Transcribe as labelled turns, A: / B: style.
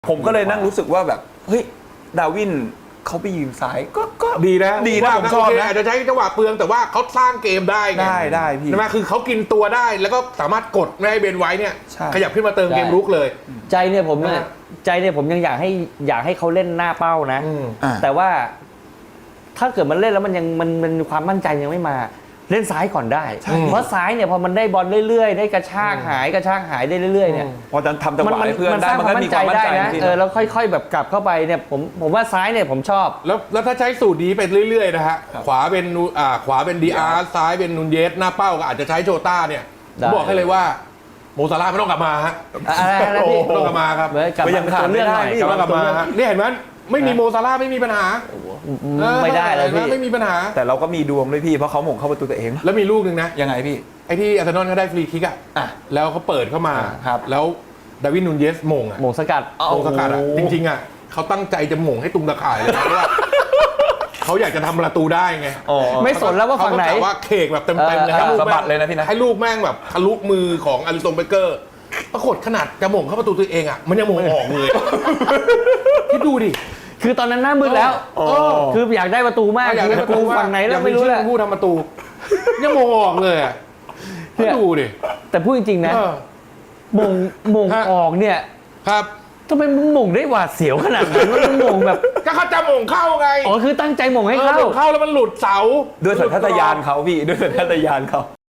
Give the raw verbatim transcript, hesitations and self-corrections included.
A: ผมก็เลยนั่งรู้สึกว่าแบบเฮ้ยดาวินเขาไปยืนซ้ายก็ก็
B: ดีนะ
A: ดีนะผมชอบนะ
B: อาจจะใช้จังหวะเปลืองแต่ว่าเขาสร้างเกมได้ไง
A: ได้ได้พี่
B: ใช่ไหมคือเขากินตัวได้แล้วก็สามารถกดไม่ให้เบนไว้เนี่ยขยับขึ้นมาเติมเกมรุกเลย
C: ใจเนี่ยผมเนี่ยใจเนี่ยผมยังอยากให้อยากให้เขาเล่นหน้าเป้านะแต่ว่าถ้าเกิดมันเล่นแล้วมันยังมันมันความมั่นใจยังไม่มาเล่นซ้ายก่อนได้เพราะซ้ายเนี่ยพอมันได้บอลเรื่อยๆได้กระชากหายกระชากหายได้เรื่อยๆเนี่ย
A: พอจะทำจังหวะให้เพื่อนได้มันก็มีความมั่นใจ
C: นะเออแล้วค่อยๆแบบกลับเข้าไปเนี่ยผมผมว่าซ้ายเนี่ยผมชอบ
B: แล้วแล้วถ้าใช้สูตรนี้ไปเรื่อยๆนะฮะขวาเป็นอ่าขวาเป็นดีอาร์ซ้ายเป็นนูนเยสหน้าเป้าก็อาจจะใช้โจต้าเนี่ยผมบอกให้เลยว่าโมซาร่าไม่ต้องกลับมาฮะ
C: อะไรนะพี่
B: ไม่ต้องกลับมาครับ
C: ก็ยังขาดเรื่องหน่อย
B: กลับมาฮะนี่เห็นไหมไม่มีโมซาร่าไม่มีปัญหา
C: ไม่ได้เลยพี่
B: ไม่มีปัญหา
A: แต่เราก็มีดวงด้วยพี่เพราะเขาหม่งเข้าประตูตัวเอง
B: แล้วมีลูกหนึ่งนะ
A: ยังไงพี่
B: ไอ้ที่อาร์เซนอลเขาได้ฟรีคิกอ่ะแล้วเขาเปิดเข้ามาแล้วดาวินนูนเยสหม่งอ่ะ
C: หม่งสกัด
B: หม่งสกัดอ่ะจริงๆอ่ะเขาตั้งใจจะหม่งให้ตุงตะข่ายเลยนะเพราะว่าเขาอยากจะทำประตูได้ไง
C: ไม่สนแล้วว่าฝั่งไหน
B: ว่าเคกแบบเต็มๆเลยให้ลูก
A: สะบัดเลยนะพี่นะ
B: ให้ลูกแม่งแบบทะลุมือของอาริสันเบเกอร์ปรากฏขนาดจะหม่งเข้าประตูตัวเองอ่ะมันยังหม่งออกเลยคิดดูดิ
C: คือตอนนั้นหน้ามืดแล้วคืออยากได้ประตูมาก
B: อยากได้ประตู
C: ฝั่งไหนแล้วไม่รู้แหละ
B: ผู้ทำประตูยังมงออกเลยอ่ะดูดิ
C: แต่พูดจริงๆนะมงมงออกเนี่ย
B: ครับ
C: ทำไมมึงมงได้หวาดเสียวขนาดนั้นว่ามึงมงแบบ
B: ก็เขาจะมงเข้าไง
C: อ๋อคือตั้งใจมงให้เข้า
B: เข้าแล้วมันหลุดเสา
A: ด้วยสัญชาตญาณเขาพี่ด้วยสัญชาตญาณเขา